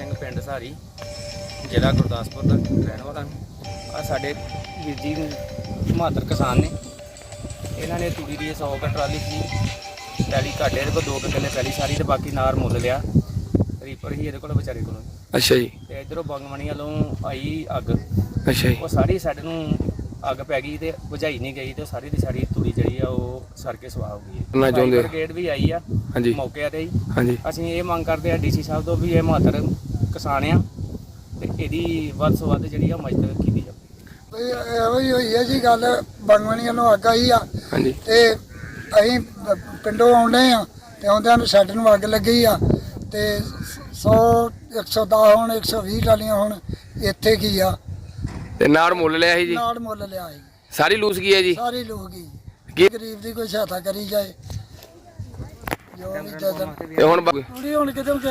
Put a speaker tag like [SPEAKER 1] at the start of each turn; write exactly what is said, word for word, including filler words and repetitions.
[SPEAKER 1] ਸਿੰਘ ਪਿੰਡ ਸਾਰੀ ਜ਼ਿਲ੍ਹਾ ਗੁਰਦਾਸਪੁਰ ਦਾ ਰਹਿਣ ਵਾਲਾ ਆ। ਸਾਡੇ ਵੀਰ ਜੀ ਬਹਾਦਰ ਕਿਸਾਨ ਨੇ, ਇਹਨਾਂ ਨੇ ਤੂੜੀ ਦੀ ਸੌ ਕੁ ਟਰਾਲੀ ਸੀ ਪੈਲੀ ਘਾਟੇ ਇਹਦੇ ਕੋਲ ਦੋ ਕੁ ਕਿੱਲੇ ਪੈਲੀ ਸਾਰੀ ਤੇ ਬਾਕੀ ਨਾਰ ਮੁੱਲ ਲਿਆ। ਰੀਪਰ ਹੀ ਇਹਦੇ ਕੋਲ ਵਿਚਾਰੇ ਕੋਲ।
[SPEAKER 2] ਅੱਛਾ ਜੀ।
[SPEAKER 1] ਤੇ ਇਧਰੋਂ ਬੰਗਮਣੀ ਵੱਲੋਂ ਆਈ ਅੱਗ।
[SPEAKER 2] ਅੱਛਾ ਜੀ।
[SPEAKER 1] ਉਹ ਸਾਰੀ ਸਾਡੇ ਨੂੰ ਅੱਗ ਪੈ ਗਈ ਤੇ ਬੁਝਾਈ ਨਹੀਂ ਗਈ ਤੇ ਸਾਰੀ ਦੀ ਸਾਰੀ ਤੂੜੀ ਜਿਹੜੀ ਆ ਉਹ ਸੜ ਕੇ ਸੁਆਹ ਹੋ ਗਈ।
[SPEAKER 2] ਮੈਂ ਚਾਹੁੰਦੇ
[SPEAKER 1] ਬ੍ਰਿਗੇਡ ਵੀ ਆਈ ਆ
[SPEAKER 2] ਹਾਂਜੀ
[SPEAKER 1] ਮੌਕੇ ਤੇ ਹੀ।
[SPEAKER 2] ਹਾਂਜੀ
[SPEAKER 1] ਅਸੀਂ ਇਹ ਮੰਗ ਕਰਦੇ ਆ ਡੀਸੀ ਸਾਹਿਬ ਤੋਂ ਵੀ ਇਹ ਬਹਾਦਰ ਕਿਸਾਨ ਆ ਤੇ ਇਹਦੀ ਵੱਧ ਤੋਂ ਵੱਧ ਜਿਹੜੀ ਆ ਮਦਦ ਕੀਤੀ ਜਾਵੇ।
[SPEAKER 3] ਇਹੋ ਹੀ ਹੋਈ ਹੈ ਜੀ ਗੱਲ। ਬੰਗਮਣੀ ਵੱਲੋਂ ਅੱਗ ਆਈ ਆ
[SPEAKER 2] ਹਾਂਜੀ
[SPEAKER 3] ਤੇ ਅਸੀਂ ਪਿੰਡੋਂ ਆਉਂਦੇ ਆ ਤੇ ਆਉਂਦਿਆਂ ਨੂੰ ਸਾਡੇ ਨੂੰ ਅੱਗ ਲੱਗੀ ਆ ਤੇ ਸੌ ਇੱਕ ਸੌ ਦਸ ਹੁਣ ਇੱਕ ਸੌ ਵੀਹ ਟਾਲੀਆਂ ਹੁਣ ਇੱਥੇ ਕੀ ਆ
[SPEAKER 2] ਤੇ ਨਾੜ ਮੁੱਲ ਲਿਆ ਸੀ ਜੀ।
[SPEAKER 3] ਨਾਲ ਮੁੱਲ ਲਿਆ ਸੀ
[SPEAKER 2] ਸਾਰੀ ਲੂਸ ਗਈ ਹੈ ਜੀ।
[SPEAKER 3] ਸਾਰੇ ਲੋਕ ਹੀ
[SPEAKER 2] ਕੀ
[SPEAKER 3] ਗਰੀਬ ਦੀ ਕੋਈ ਸਹਾਇਤਾ ਕਰੀ ਜਾਏ ਜੋ ਵੀ ਦੇ ਦੇਣ।
[SPEAKER 2] ਤੇ ਹੁਣ ਬ-
[SPEAKER 3] ਥੋੜੀ ਹੁਣ ਕਿਤੇ